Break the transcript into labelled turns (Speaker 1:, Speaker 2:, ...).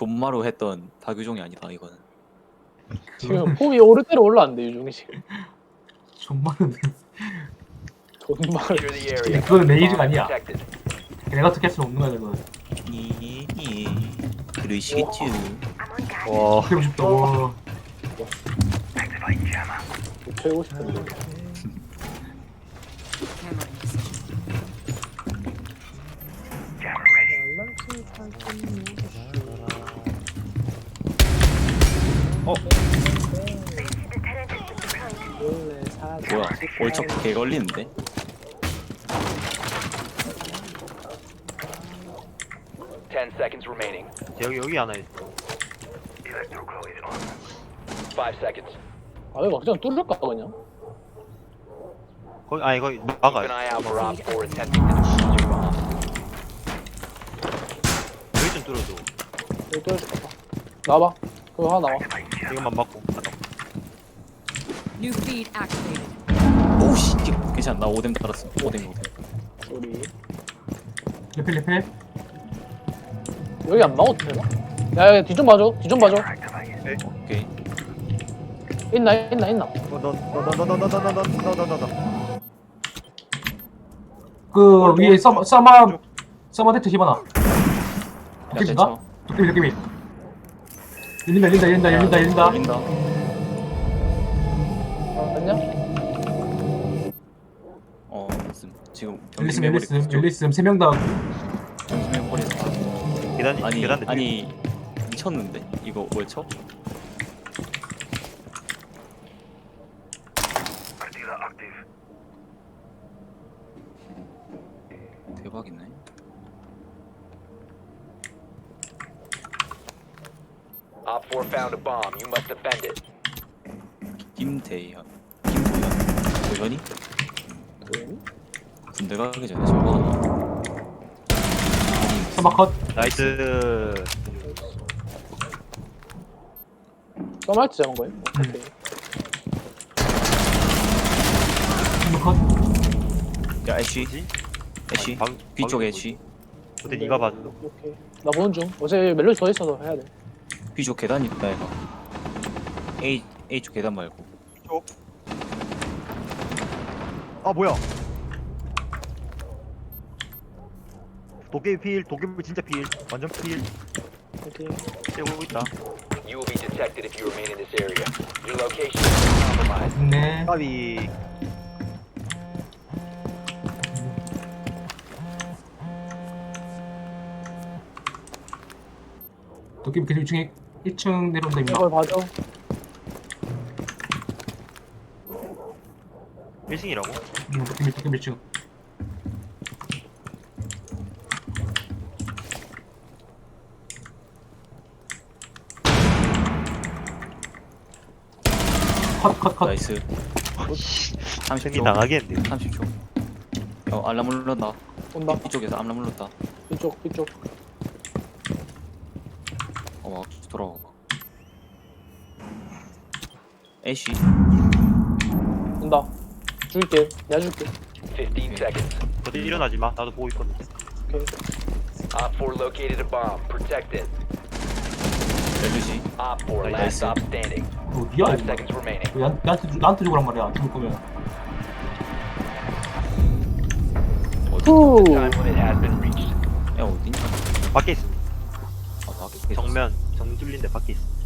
Speaker 1: 존마로 했던 박유종이 아니다 이거는.
Speaker 2: 지금 폼이 오르대로 올라왔는데 유종이 지금
Speaker 3: 정말은
Speaker 2: 존말
Speaker 4: Secure the area.
Speaker 3: 그거는 내 일이 아니야.
Speaker 4: Protected.
Speaker 3: 내가 어떻게 할 수는 없는 거야 그거는.
Speaker 1: 그러시겠지.
Speaker 5: 와
Speaker 3: 그러고 싶다. 와.
Speaker 2: 최고 싶은데
Speaker 1: 뭐야? 월척 개 걸리는데?
Speaker 4: Ten seconds remaining.
Speaker 5: 여기 하나 있어.
Speaker 4: 5 seconds.
Speaker 2: 아 이거 그냥 뚫을까 그냥
Speaker 5: 거기 거기
Speaker 4: Keep an
Speaker 5: 막아요.
Speaker 4: eye out for Op 4 attempting to defuse your bomb.
Speaker 5: 여기 좀 뚫어줘.
Speaker 2: 여기 뚫어줄까 나와봐 그거 하나 나와
Speaker 5: 이것만 막고.
Speaker 6: New feed activated.
Speaker 1: 오씨, 괜찮아. 나 오뎀 달았어. 오뎀.
Speaker 2: 우리
Speaker 3: 레펠.
Speaker 2: 여기 안 나와도 되나? 야 뒤 좀 봐줘 뒤 좀 봐줘
Speaker 1: 오케이.
Speaker 2: 있나
Speaker 5: 너너너너너너너너너너너너.
Speaker 3: 그 위에 서머 대트 집어넣어.
Speaker 1: 야,
Speaker 3: 도깨비인가?
Speaker 1: 괜찮아.
Speaker 3: 도깨비. 열린다.
Speaker 1: 열린다.
Speaker 2: 맞냐?
Speaker 1: 지금
Speaker 3: 열렸음. 3명 다.
Speaker 1: 정심해버렸다.
Speaker 5: 계단
Speaker 1: 아니 미쳤는데? 이거 월척? 대박이네.
Speaker 4: Op 4 found a bomb. You must defend it.
Speaker 1: 김도현. 도현이? 군대 가기 전에 저거 하나.
Speaker 3: 서머 컷.
Speaker 5: 나이스.
Speaker 2: 써말트 잡은 거예요? 오케이
Speaker 3: 서머 컷.
Speaker 1: 야 애쉬. B쪽 애쉬.
Speaker 5: 근데 네가 봐줘.
Speaker 2: 오케이 나 보는 중 어제 멜로디 더 있어서 해야 돼
Speaker 1: B쪽 계단 있다 얘가. A쪽 계단 말고.
Speaker 5: 아 뭐야? 도깨비 진짜 필. 완전 필.
Speaker 2: 오케이
Speaker 5: 떼고 있다.
Speaker 4: You will be detected if you remain in this area. Your location is compromised.
Speaker 3: 네.
Speaker 5: 까비.
Speaker 3: 도깨비 계속 1층 내려온다 임마.
Speaker 2: 이걸 봐줘
Speaker 5: 1층이라고?
Speaker 3: 도깨비 1층. 컷.
Speaker 1: 나이스.
Speaker 5: 생이
Speaker 1: 30초.
Speaker 5: 나가겠는데.
Speaker 1: 30초. 알람 울렸다.
Speaker 2: 온다
Speaker 1: 이쪽에서 알람 울렸다.
Speaker 2: 이쪽
Speaker 1: 막 돌아가. 애쉬.
Speaker 2: 온다 줄게 내가 줄게
Speaker 4: 15 seconds.
Speaker 5: 어디 일어나지 마. 나도 보고 있거든.
Speaker 2: 오케이
Speaker 4: Op 4 located a bomb. Protect it.
Speaker 1: 멜루시.
Speaker 4: Op 4 last
Speaker 1: Nice.
Speaker 4: stop standing.
Speaker 3: 어디야
Speaker 4: 5
Speaker 3: 이거.
Speaker 4: seconds remaining.
Speaker 3: 나한테 죽으란 말이야. 죽을 거면.
Speaker 2: 후
Speaker 4: Time limit has been reached.
Speaker 1: 야 어딨냐?
Speaker 5: 밖에 있어.
Speaker 1: 아 밖에
Speaker 5: 정 뚫린데 밖에 있어.